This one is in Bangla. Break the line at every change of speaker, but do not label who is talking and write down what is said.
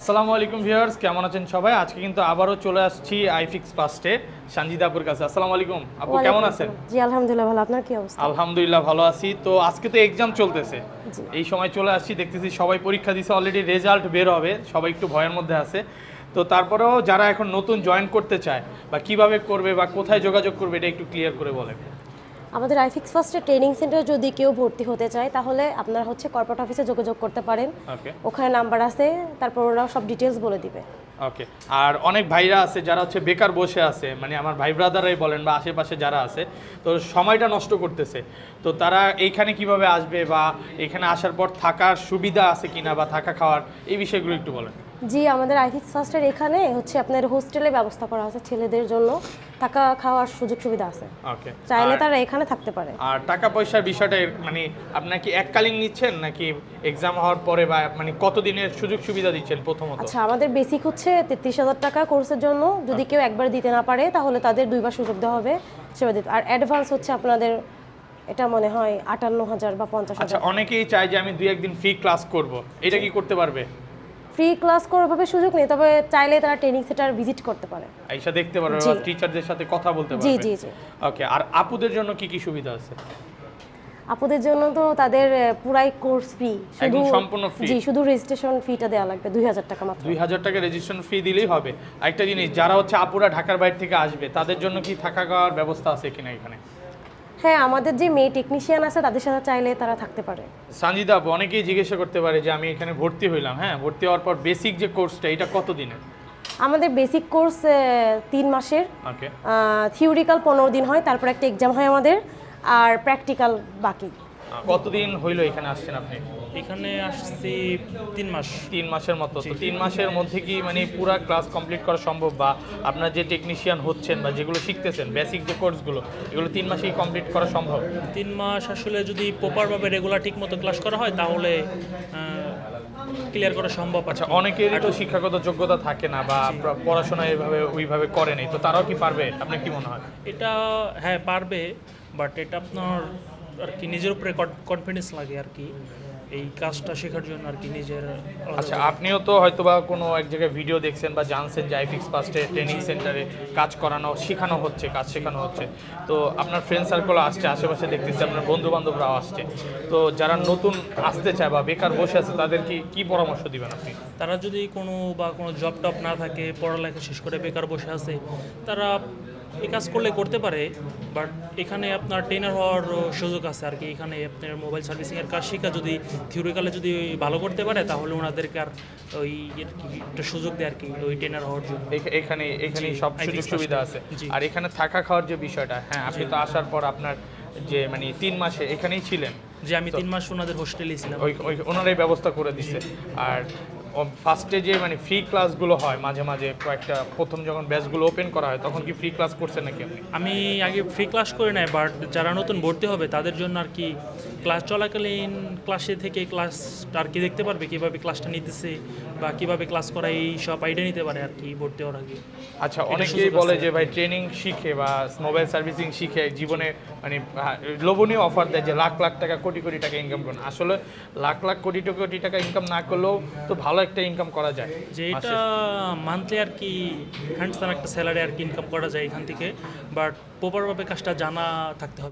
আসসালামু আলাইকুম ভিউয়ার্স, কেমন আছেন সবাই? আজকে কিন্তু আবারও চলে আসছি আইফিক্স ফার্স্টে সানজিদা আপুর কাছে। আসসালামু আলাইকুম আপু, কেমন আছেন?
জি আলহামদুলিল্লাহ ভালো। আপনার কি অবস্থা?
আলহামদুলিল্লাহ ভালো আছি। তো আজকে তো এক্সাম চলতেছে,
জি
এই সময় চলে আসছি, দেখতেছি সবাই পরীক্ষা দিছে, অলরেডি রেজাল্ট বের হবে, সবাই একটু ভয়ের মধ্যে আছে। তো তারপরেও যারা এখন নতুন জয়েন করতে চায় বা কিভাবে করবে বা কোথায় যোগাযোগ করবে এটা একটু ক্লিয়ার করে বলেন।
আমাদের আইফিক্স ফার্স্টে ট্রেনিং সেন্টারে যদি কেউ ভর্তি হতে চায় তাহলে আপনারা কর্পোরেট অফিসে যোগাযোগ করতে পারেন।
ওকে
ওখানে নাম্বার আছে, তারপর ওরা সব ডিটেলস বলে দিবে।
ওকে। আর অনেক ভাইরা আছে যারা হচ্ছে বেকার বসে আছে, মানে আমার ভাই ব্রাদারাই বলেন বা আশেপাশে যারা আছে, তো সময়টা নষ্ট করতেছে, তো তারা এইখানে কিভাবে আসবে বা এখানে আসার পর থাকার সুবিধা আছে কিনা বা থাকা খাওয়ার এই বিষয়গুলো একটু বলেন।
জি আমাদের আইফিক্স ফার্স্টের এখানে আপনার হোস্টেলের ব্যবস্থা করা আছে, ছেলেদের জন্য থাকা খাওয়ার সুযোগ সুবিধা আছে।
ওকে,
চাইলে তারা এখানে থাকতে পারে।
আর টাকা পয়সার বিষয়টা মানে আপনারা কি এককালীন নিচ্ছেন নাকি এক্সাম হওয়ার পরে বা মানে কতদিনের সুযোগ সুবিধা দিচ্ছেন প্রথমত?
আচ্ছা, আমাদের বেসিক 33,000 টাকা কোর্সের জন্য। যদি কেউ একবার দিতে না পারে তাহলে তাদের দুইবার সুযোগ দেওয়া হবে, সেবা দিতে। আর অ্যাডভান্স আপনাদের এটা মনে হয় 58,000 বা 50,000।
আচ্ছা, অনেকেই চায় যে আমি 2-1 দিন ফ্রি ক্লাস করব, এটা কি করতে পারবে?
ফ্রি ক্লাস করার ভাবে সুযোগ নেই, তবে চাইলে তারা ট্রেনিং সেন্টার ভিজিট করতে পারে,
আইসা দেখতে পারবে বা টিচারদের সাথে কথা বলতে পারবে।
জি জি জি।
ওকে, আর আপুদের জন্য কি কি সুবিধা আছে?
আপুদের জন্য তো তাদের পুরাই কোর্স ফ্রি,
একদম সম্পূর্ণ ফ্রি।
জি, শুধু রেজিস্ট্রেশন ফিটা দেওয়া লাগবে 2,000 টাকা মাত্র।
2,000 টাকা রেজিস্ট্রেশন ফি দিলেই হবে। আরেকটা জিনিস, যারা হচ্ছে আপুরা ঢাকার বাইরে থেকে আসবে তাদের জন্য কি থাকা খাওয়ার ব্যবস্থা আছে কিনা এখানে?
হ্যাঁ, আমাদের যে মেয়ে টেকনিশিয়ান আছে তাদের সাথে চাইলে তারা থাকতে পারে।
সানজিদা আপু, অনেকেই জিজ্ঞাসা করতে পারে যে আমি এখানে ভর্তি হইলাম, হ্যাঁ, ভর্তি হওয়ার পর বেসিক যে কোর্সটা এটা কত দিনের?
আমাদের বেসিক কোর্স 3 মাসের।
ওকে,
থিওরিক্যাল 15 দিন হয়, তারপর একটা এক্সাম হয় আমাদের, আর প্র্যাকটিক্যাল বাকি।
কতদিন হইলো এখানে আসছেন আপনি?
এখানে আসছি 3 মাস।
3 মাসের মতো। তো 3 মাসের মধ্যে কি মানে পুরো ক্লাস কমপ্লিট করা সম্ভব, বা আপনার যে টেকনিশিয়ান হচ্ছেন বা যেগুলো শিখতেছেন বেসিক যে কোর্সগুলো, এগুলো 3 মাসেই কমপ্লিট করা সম্ভব?
3 মাস আসলে যদি প্রপারভাবে রেগুলার ঠিক মতো ক্লাস করা হয় তাহলে ক্লিয়ার করা সম্ভব।
আচ্ছা, অনেকেরই তো শিক্ষাগত যোগ্যতা থাকে না বা পড়াশোনা এভাবে ওইভাবে করে নাই, তো তারাও কি পারবে? আপনার কি মনে হয়?
এটা হ্যাঁ পারবে, বাট এটা আপনার আর কি নিজের উপরে কনফিডেন্স লাগে আর কি, এই কাজটা শেখার জন্য আর কি নিজের।
আচ্ছা, আপনিও তো হয়তোবা কোনো এক জায়গায় ভিডিও দেখছেন বা জানছেন যে আইফিক্স ফার্স্টে ট্রেনিং সেন্টারে কাজ করানো শেখানো হচ্ছে, কাজ শেখানো হচ্ছে, তো আপনার ফ্রেন্ড সার্কেল আসছে, আশেপাশে দেখতেছি আপনার বন্ধু বান্ধবরাও আসছে, তো যারা নতুন আসতে চায় বা বেকার বসে আছে তাদের কি পরামর্শ দিবেন আপনি?
তারা যদি কোনো জব টব না থাকে, পড়ালেখা শেষ করে বেকার বসে আছে, তারা এই কাজ করলে করতে পারে, বাট এখানে আপনার ট্রেনার হওয়ার সুযোগ আছে আর কি। এখানে আপনার মোবাইল সার্ভিসিংয়ের কাজ শেখা যদি থিওরিক্যালে যদি ভালো করতে পারে তাহলে ওনাদেরকে আর ওই একটা সুযোগ দেয় আর কি ওই ট্রেনার হওয়ার জন্য।
এখানে সব সুযোগ সুবিধা আছে। আর এখানে থাকা খাওয়ার যে বিষয়টা, হ্যাঁ, আপনি তো আসার পর আপনার যে মানে 3 মাসে এখানেই ছিলেন?
যে আমি 3 মাস ওনাদের হোস্টেলেই ছিলাম,
ওই ওনারাই ব্যবস্থা করে দিছে। আর ফার্স্টে যে মানে ফ্রি ক্লাসগুলো হয় মাঝে মাঝে কয়েকটা, প্রথম যখন ব্যাচগুলো ওপেন করা হয় তখন কি ফ্রি ক্লাস করছেন নাকি আপনি?
আমি আগে ফ্রি ক্লাস করে নাই, বাট যারা নতুন ভর্তি হবে তাদের জন্য আর কি ক্লাস চলাকালীন ক্লাসে থেকে ক্লাসটা আর কি দেখতে পারবে, কীভাবে ক্লাসটা নিতেছে বা কীভাবে ক্লাস করা, এই সব আইডিয়া নিতে পারে আর কি ভর্তি হওয়ার আগে।
আচ্ছা, অনেকেই বলে যে ভাই ট্রেনিং শিখে বা মোবাইল সার্ভিসিং শিখে জীবনে মানে লোভনীয় অফার দেয় যে লাখ লাখ টাকা কোটি কোটি টাকা ইনকাম করুন। আসলে লাখ লাখ কোটি কোটি টাকা ইনকাম না করলেও তো ভালো একটা ইনকাম করা যায়,
যে এটা মান্থলি আর কি হ্যান্ডসাম একটা স্যালারি আর কি ইনকাম করা যায় এখান থেকে, বাট প্রপারভাবে কাজটা জানা থাকতে হবে।